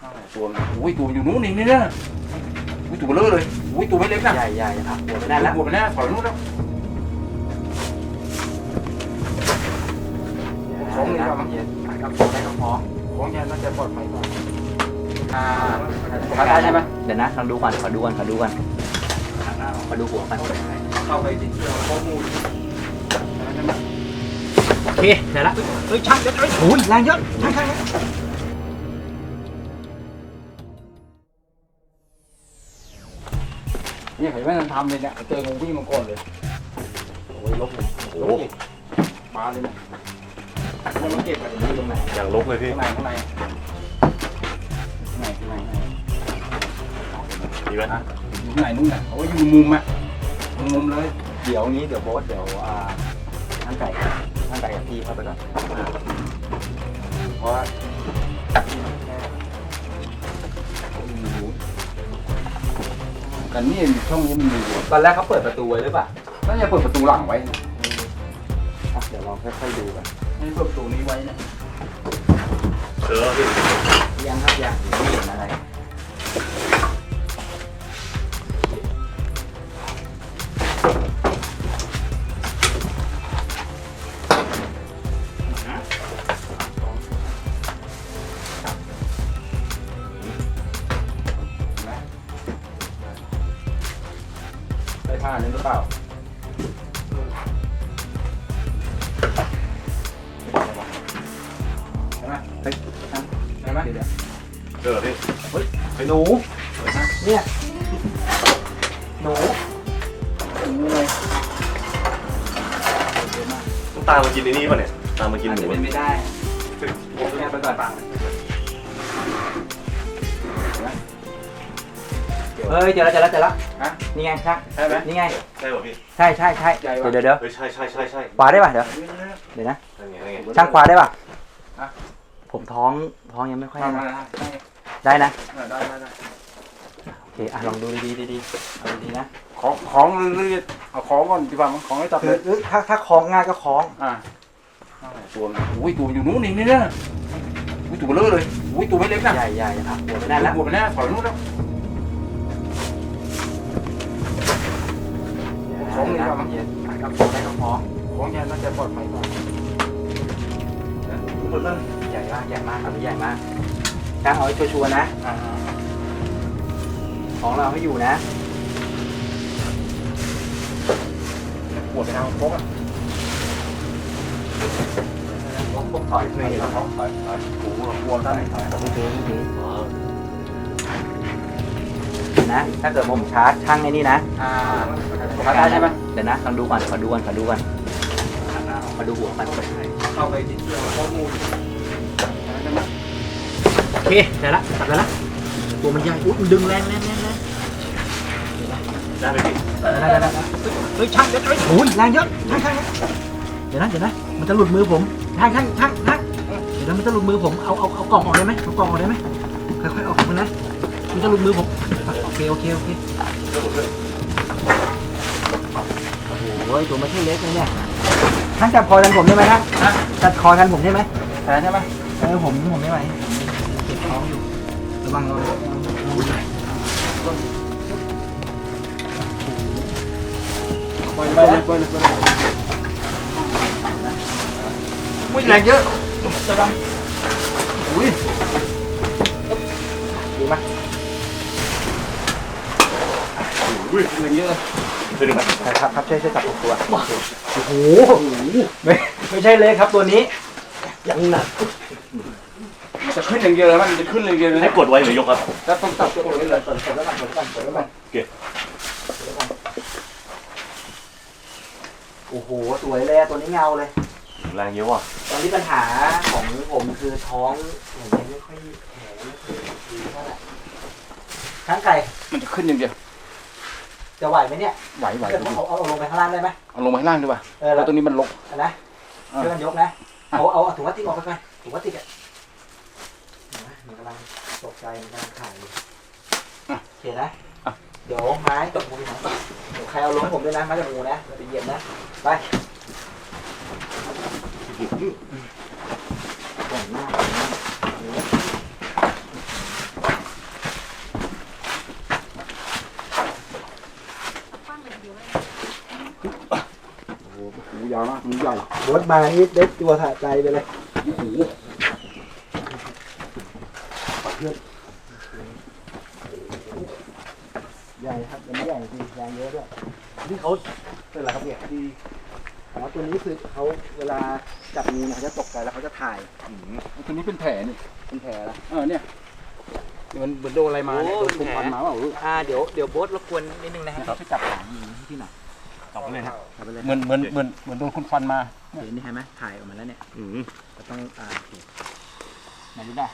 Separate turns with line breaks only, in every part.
ตัวอุ้ยตัวอยู่นู้นนี่นะอุ้ยตัวเบลอเลยอุ้ยตัวไม่เล็กนะ
ใหญ่ครับหัวไปนั่นแล้ว
หัวไปแน่ถอยนู้นแล้วของนี่ครับ
กับของได้กับของ
ของยันน่าจะปลอดภัยกว่า
ได้ใช่ไหมเดี๋ยวนะลองดูก่อนขอดูก่อนขอดูหัวกัน
เข้าไปติดเชื้อข้อมูล
โอเคเดี๋ยวละช่างเดี๋ยวโอ้ยแรงเยอะช่าง
นี่เห็นไหมมันทำเลยเนี่ยเจองูวิ่งมาก่อนเลยโอ้ยลบเลยโอ้ยมาเลยเนี่ยมันเก็บอะไรตรงไหน
อย่างลกเลยพี่
ข้างใน
ดีไหม
อยู่ไหนนู่นน่ะโอ้ยอยู่มุมอะมุมเลย
เดี๋ยวโบ๊ทเดี๋ยวช่างไก่กับพี่เข้าไปก่อนเพราะ
กันนี่ช่องนี้มันมีอยู่
ตอนแรกเขาเปิดประตูไว้หรือเปล่า
น่าจะเปิดประตูหลังไว้
เดี๋ยวลองค่อยๆดูกัน
ไม่เปิดประตูนี้ไว้นะ
พี่
ยังครับยังไม่เห็นอะไร
ได้ผ้านี้หรือเปล่าใช่ไหมใช่ไหม
พี่เฮ้ย
ไอ้หนูเนี่ยหนู
ต้องตามมากินในนี่ป่ะเนี่ยตามมากินหมู
ไม่ได้ผมแค่ไปก่อนเฮ้ยเจอแล้ว
ฮะ
นี่ไงช่าง
ใช่ไหม
นี่ไง
ใช่ป่ะพี่
ใช่เดี๋ยว
ใช่
ขวาได้ป่ะเดี๋ยวนะช่างขวาได้ป่ะผมท้องยังไม่ค่อยได้นะ
ได้
โอเคลองดูดีเอาดีนะ
ของเอาของก่อนดีกว่าของให้จับเลย
ถ้าคล้องง่ายก็คล้อง
ตัวอุ้ยตัวอยู่นู้นนี่นะอุ้ยตัวเบลอเลยอุ้ยตัวไม่เล็กนะ
ใหญ่ครับหัวไปนั่นแล้ว
หัวไปแน่ถอยนู้นแล้วของนี่ครับ
กับของได้กับของ
ยันน่าจะปลอดภัยกว่า
ใหญ่มากครับใหญ่มากช่างเอาให้ชัวร์นะของเราให้อยู่นะ
หัวไปทางโค้งอ่ะ
ถอยไม่ถอย
หัวด้านไหนถอย
นะถ้าเกิดผมชาร์จช่างในนี่นะ
ได้ใช่ไหม
เดี๋ยวนะลองดูก่อนขอดูหัวกัน
เข้าไปติดเชื้อข้อมูล
โอเคได้ละตัดแล้วตัวมันใหญ่มันดึงแรง
ได้ไหมพี่
เฮ้ยช่างเดี๋ยวโอ้ยแรงเยอะช่างเดี๋ยวนะมันจะหลุดมือผมช่างเดี๋ยวมันจะหลุดมือผมเอากล่องออกได้ไหมค่อยๆออกนะมันจะหลุดมือผมโอเคโอ้ยตัวมันไม่เล็กเลยเนี่ยท่านจับคอกันผมได้ไหมครับจับคอกันผมได้ไหม
ใช่ไหม
ผมไม่ไหวเก็บท้องอยู่ระวัง
ไปอุ้ยแรงเยอะจะดังอุ้ยดีไหมอุ้ยแรงเยอะ
ครับช่วยจับตัวโอ้โหไม่ใช่เล็กครับตัวนี้ยังหนัก
จะขึ้นอย่างเดียวเลยมันจะขึ้นอย่างเดียวเลย
ให้กดไว้หรือยกครับ
จะต้องจับตัวไว้เลย
เปิดแล้วกัน
เก็บ
โอ้โหสวยเลยตัวนี้เงาเลย
แรงเยอะว่ะ
ตอนนี้ปัญหาของผมคือท้องผมไม่ค่อยแข็งดีเท่าไหร่ทั้งไก่
มันจะขึ้นอย่างเดียว
จะไหวไหมเนี่ย
ไหว
เอาลงไปข้างล่างได้ไหม
เอาลงไปข้างล่างดีกว่าแล้วตัวนี้มันลก
นะเพื่อนยกนะเอาถุงพลาสติกออกไปก่อนถุงพลาสติกมันกำลังตกใจมันกำลังขายอยู่โอเคนะเดี๋ยวไม้ตกมือนะเดี๋ยวใครเอาลงผมด้วยนะไม้ตกมือนะเราไปเย็นนะไป
ยาวมากมันใหญ่
รถมานี่ได้ตัวสะใจไปเลย
โอ้โห
ใหญ่ครับอันนี้ใหญ่จริงแรงเยอะด้วย
นี่เขาเป็นอะไรครับเนี่ยที่
อ๋อตัวนี้คือเขาเวลาจับงูเนี่ยเขาจะตกใจแล้วเขาจะถ่าย
ตัวนี้เป็นแผลนี่
เป็นแผลแล้ว
เนี่ยมันเหมือนโดนอะไรมาเนี่ยโดนคุมฟันมาเปล่า
เดี๋ยวโบ๊ทรบกวนนิดนึงนะฮะช่วยจับหางงูที่หน่อย
จับไปเลยครับ
จับไปเลย
เหมือนโดนคุมฟันมา
เห็นนี่เห็นไหมถ่ายออกมาแล้วเนี่ย ก็ต้องโอเคไหนดูได้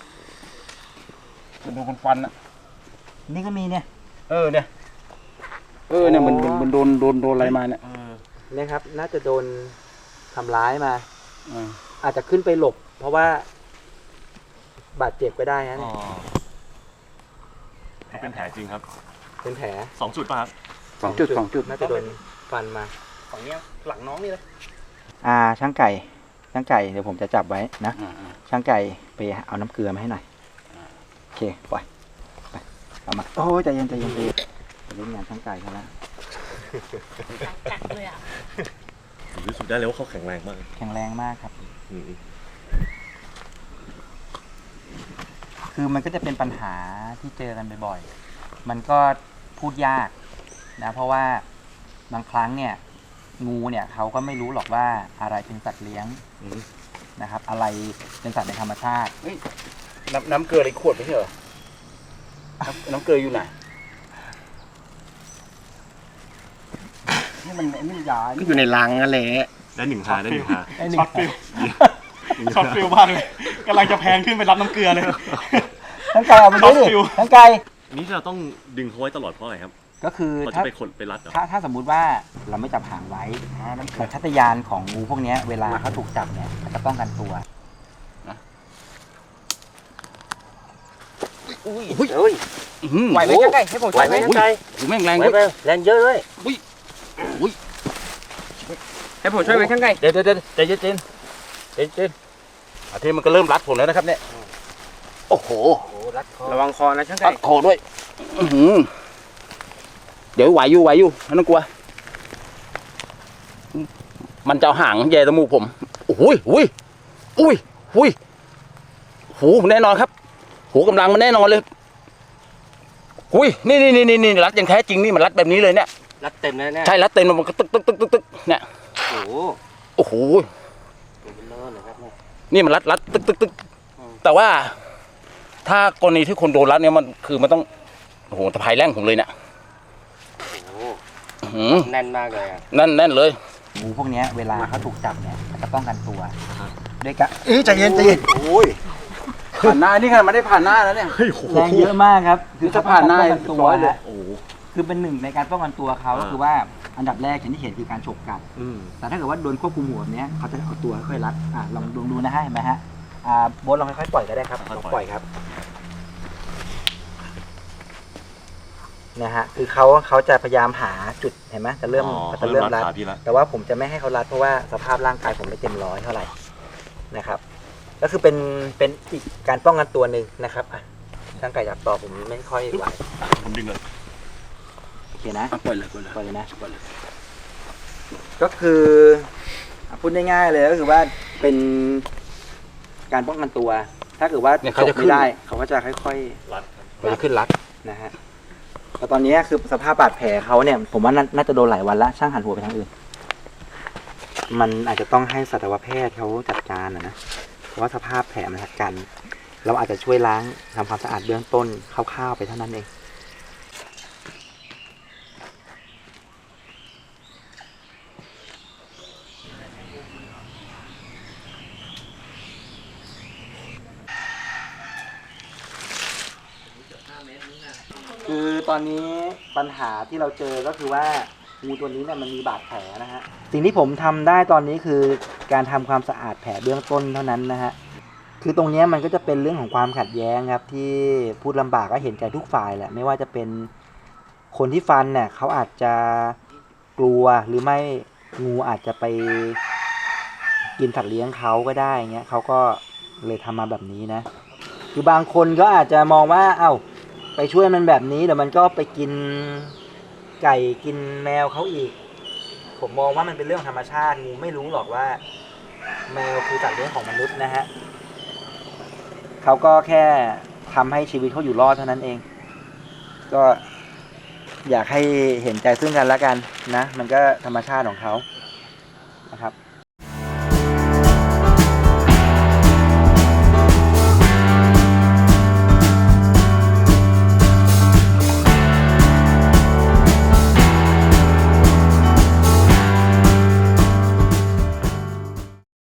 เหมือนโดนคุมฟันอ่ะ
นี่ก็มีเนี่ย
เนี่ยเหมือนโดนอะไรมาเนี่ย
เนี่ยครับน่าจะโดนทำร้ายมา
อ่า
อาจจะขึ้นไปหลบ เพราะว่า บาดเจ็บก็ได้นะเนี่ย
นี่เป็นแผลจริงครับ
เป็นแผล
2 จุดป่ะครับ
สองจุด
น่าจะโดนฟันมา
ฝั่งนี้หลังน้องนี่เลย
ช่างไก่เดี๋ยวผมจะจับไว้นะช่างไก่ไปเอาน้ำเกลือมาให้หน่อยโอเคปล่อยไปเอามาโอ้ใจเย็นไปเล่นงานช่างไก่เขาแล้ว
กัดเลยอ่ะ
รู้สึกได้เลยว่าเขาแข็งแรงมาก
แข็งแรงมากครับ
อืม
คือมันก็จะเป็นปัญหาที่เจอกันบ่อยๆ มันก็พูดยากนะเพราะว่าบางครั้งเนี่ยงูเนี่ยเขาก็ไม่รู้หรอกว่าอะไรเป็นสัตว์เลี้ยงนะครับ อะไรเป็นสัตว์ในธรรมชาติ
น้ำเกลือในขวดไม่ใช่เหรอน้ำเกลืออยู่ไหนนี่มันยา
ก็อยู่ในรังนั่นแหละ
ได้1 ทาได้ 1 ทา
ช็อตฟิลช็อตฟิลมากเลยกำลังจะแพงขึ้นไปรับน้ำเกลือเลย
ทั้งไก่เอาไปด้วยดิทั้งไก่
นี่เราต้องดึงเขาไว้ตลอดเพราะอะไรครับ
ก็คือ
เราจะไปขดไปรัดเหรอ
ถ้าสมมุติว่าเราไม่จับหางไว้สัญชาตญาณของงูพวกเนี้ยเวลาเขาถูกจับเนี่ยเขาจะป้องกันตัวไหวไหมช่างไก่ให้ผมช่วยไหมช่างไก่
หูแม่งแรง
ไหว
ด้วย
ไปแรงเยอะเลย
ให้ผมช่วยไหมข้างในเดี๋ยวใจเย็นอาทีมันก็เริ่มรัดผมแล้วนะครับเนี่ยโอ้โห
รัดคอ
ระวังคอนะช่าง
รั
ไก่
ดคอด้วยเดี๋ยวไหวอยู่ไม่ต้องกลัว มันจะเอาหางแย่จมูกผมโอ้ยหูแน่นอนครับหูกำลังมันแน่นอนเลยนี่รัดอย่างแท้จริงนี่มันรัดแบบนี้เลยเนี่ย
รัดเต็มเลยเนี่ย
ใช่รัดเต็มมันก็ตึกเนี่ย
โอ้โห
โอ้โห
เป็นเลิศเลยครับเนี่ย
นี่มันรัดตึกแต่ว่า ถ้ากรณีที่คนโดนรัดเนี่ยมันคือมันต้องโอ้โหตะไคร้แรงผมเลยเนี่ย
โอ้โหแน่นมากเลยอ่ะ
แน่นเลย
งูพวกเนี้ยเวลาเขาถูกจับเนี่ยเขาจะป้องกันตัวด้วยกัน
ใจเย็น
โอ้ย
ผ่านหน้านี่ค่ะมันได้ผ่านหน้าแล้วเนี่ย
แรงเยอะมากครับ
คือถ้าผ่านหน้า
ป้องกันตัว
ร้อยเลย
ฮะคือเป็นหนึ่งในการป้องกันตัวเขาก็คือว่าอันดับแรกอย่างที่เห็นคือการฉกกัด แต่ถ้าเกิดว่าโดนควบคุมหัวแบบเนี้ยเขาจะเอาตัวค่อยๆรัดลองดูนะฮะเห็นไหมฮะโบ๊ทลองค่อยๆปล่อยก็ได้ครับลองปล่อยครับนะฮะคือเขาจะพยายามหาจุดเห็นไหมจะเริ่มรัด
ขาพี่ละ
แต่ว่าผมจะไม่ให้เขารัดเพราะว่าสภาพร่างกายผมไม่เต็มร้อยเท่าไหร่นะครับ ก็คือเป็นอีกการป้องกันตัวหนึ่งนะครับช่างไก่จับต่อผมไม่ค่อยไหว
ผมดึงเลย
โอเคนะ
ปล่อยเลย
ปล่อยเลยนะก็คือพูดง่ายๆเลยก็คือว่าเป็นการป้องกันตัว ถ้าเกิดว่าจบไม่ได้เขาก็จะค่อยๆ
รัด
มันจะขึ้นรัด
นะฮะแต่ตอนนี้คือสภาพบาดแผลเขาเนี่ย ผมว่าน่าจะโดนหลายวันละช่างหันหัวไปทางอื่น มันอาจจะต้องให้สัตวแพทย์เขาจัดการนะเพราะว่าสภาพแผลมันหักกัน เราอาจจะช่วยล้างทำความสะอาดเบื้องต้นคร่าวๆไปเท่านั้นเองคือตอนนี้ปัญหาที่เราเจอก็คือว่างูตัวนี้เนี่ยมันมีบาดแผลนะฮะสิ่งที่ผมทำได้ตอนนี้คือการทำความสะอาดแผลเบื้องต้นเท่านั้นนะฮะคือตรงนี้มันก็จะเป็นเรื่องของความขัดแย้งครับที่พูดลำบากก็เห็นใจทุกฝ่ายแหละไม่ว่าจะเป็นคนที่ฟันเนี่ยเขาอาจจะกลัวหรือไม่งูอาจจะไปกินสัตว์เลี้ยงเขาก็ได้เงี้ยเขาก็เลยทำมาแบบนี้นะคือบางคนก็อาจจะมองว่าไปช่วยมันแบบนี้เดี๋ยวมันก็ไปกินไก่กินแมวเขาอีกผมมองว่ามันเป็นเรื่องธรรมชาติงูไม่รู้หรอกว่า แมวคือสัตว์เลี้ยงของมนุษย์นะฮะเขาก็แค่ทำให้ชีวิตเขาอยู่รอดเท่านั้นเอง ก็อยากให้เห็นใจซึ่งกันและกันนะ มันก็ธรรมชาติของเขานะครับ